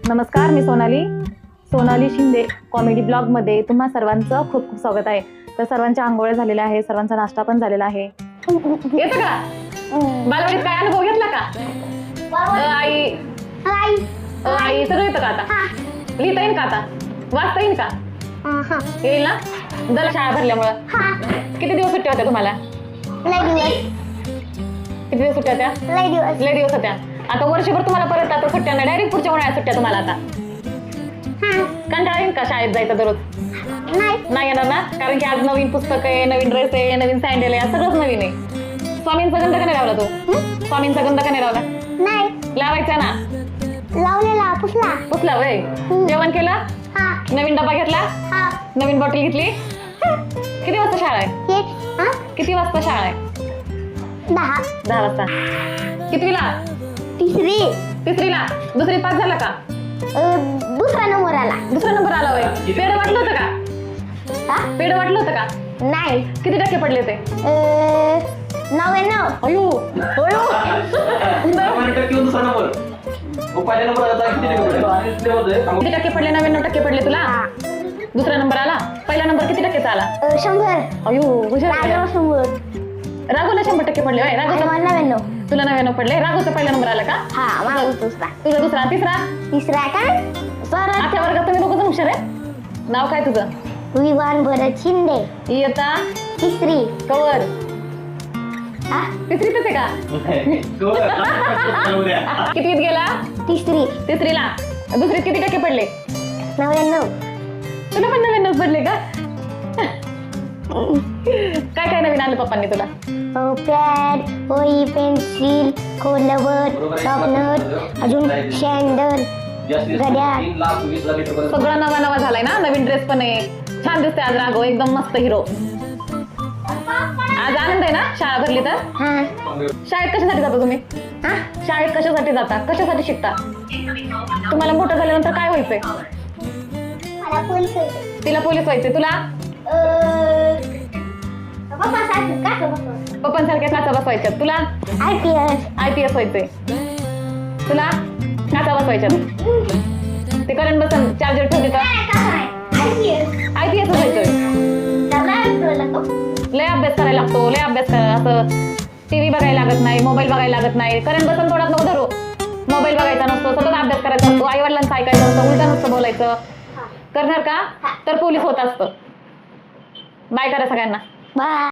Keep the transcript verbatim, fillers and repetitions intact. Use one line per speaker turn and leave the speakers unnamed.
नमस्कार, मी सोनाली सोनाली शिंदे कॉमेडी ब्लॉगमध्ये तुम्हा सर्वांचं खूप खूप स्वागत आहे. तर सर्वांच्या आंघोळ्या झालेल्या आहे, सर्वांचा नाश्ता पण झालेला आहे. येतं का बालवाडीत काय अनुभव घेतला का? अ, आई अ, आई सगळं येतं का आता? लिहिता येईल का आता? वाचता येईल का? येईल ना? जरा शाळा भरल्यामुळं किती दिवस सुट्ट्या होत्या तुम्हाला? किती दिवस सुट्ट्या होत्या? लय दिवस होत्या. आता वर्षभर तुम्हाला परत आता सुट्ट्या नाही, डायरेक्ट पुढच्या उन्हाळ्यात सुट्ट्या तुम्हाला आता. कंटाळा येईल का शाळेत जायचं दररोज? नाही येणार ना, कारण की आज नवीन पुस्तक आहे, नवीन ड्रेस आहे, नवीन सँडल आहे, सगळंच नवीन आहे. स्वामींचा गंध का नाही लावला तू? स्वामींचा गंध का नाही लावला? लावायचा ना.
लावलेला पुसला
पुसला वय. जेवण केलं? नवीन डबा घेतला? नवीन बॉटल घेतली? किती वाजता शाळा आहे? किती वाजता शाळा आहे?
दहा
दहा वाजता. कितवीला?
तिसरी
तिसरीला. दुसरी पास झाला का?
दुसरा नंबर आला.
दुसरा नंबर आला वय. पेड वाटलं होतं का? पेड वाटलं होतं का?
नाही.
किती टक्के पडले ते?
नव्याण्णव.
अयो अयो किती टक्के पडले? नव्याण्णव टक्के पडले तुला. दुसरा नंबर आला. पहिला नंबर किती टक्केचा आला?
शंभर.
अयो हुशार.
शंभर.
राघवला शंभर टक्के पडले.
नव्याण्णव.
तुला नव्याण्णव पडले. राघवचा पहिला नंबर आला का?
हा माझा दुसरा.
तुझा दुसरा. तिसरा?
तिसरा काय सर?
आठव्या वर्गात तुम्ही दोघं हुशार आहे. नाव काय तुझं?
विवान भरत शिंदे.
इयत्ता
तिसरी.
कवर.
हा
तिसरीतच आहे का? कितवीत गेला?
तिसरी.
तिसरीला. दुसरीत किती टक्के पडले?
नव्याण्णव.
तुला पण नव्याण्णव पडले का? काय काय नवीन आलं पप्पांनी तुला?
पॅड, वही, पेन्सिल, खोलवर, टॉपनट, अजून सँडल, घड्याळ.
सगळं नवा नवा झालाय ना. नवीन ड्रेस पण आहे. छान दिसते आज राघव, एकदम मस्त हिरो. आज आनंद आहे ना शाळा भरली तर?
हा.
शाळेत कशासाठी जाता तुम्ही?
हा?
शाळेत कशासाठी जाता? कशासाठी शिकता? तुम्हाला मोठं झाल्यानंतर काय व्हायचंय?
मला पोलीस व्हायचं.
तिला पोलीस व्हायचे. तुला? पप्पांसारख्या काचा बसवायच्या. तुला?
I P S.
I P S व्हायचंय. तुला? काचा बसवायच्या. ते करंट बसन चार्जर ठेवते का? आय पी एस व्हायचंय. लय अभ्यास करायला लागतो. लय अभ्यास करा. असं टीव्ही बघायला लागत नाही, मोबाईल बघायला लागत नाही. करंट बसन थोडाच नको धरू. मोबाईल बघायचा नसतो, सतत अभ्यास करायचा असतो, आई वडिलांचं ऐकायचं असतं, उलटा नुसतं बोलायचं. करणार का? तर पोलीस होत असतं. बाय करा सगळ्यांना.
बाय.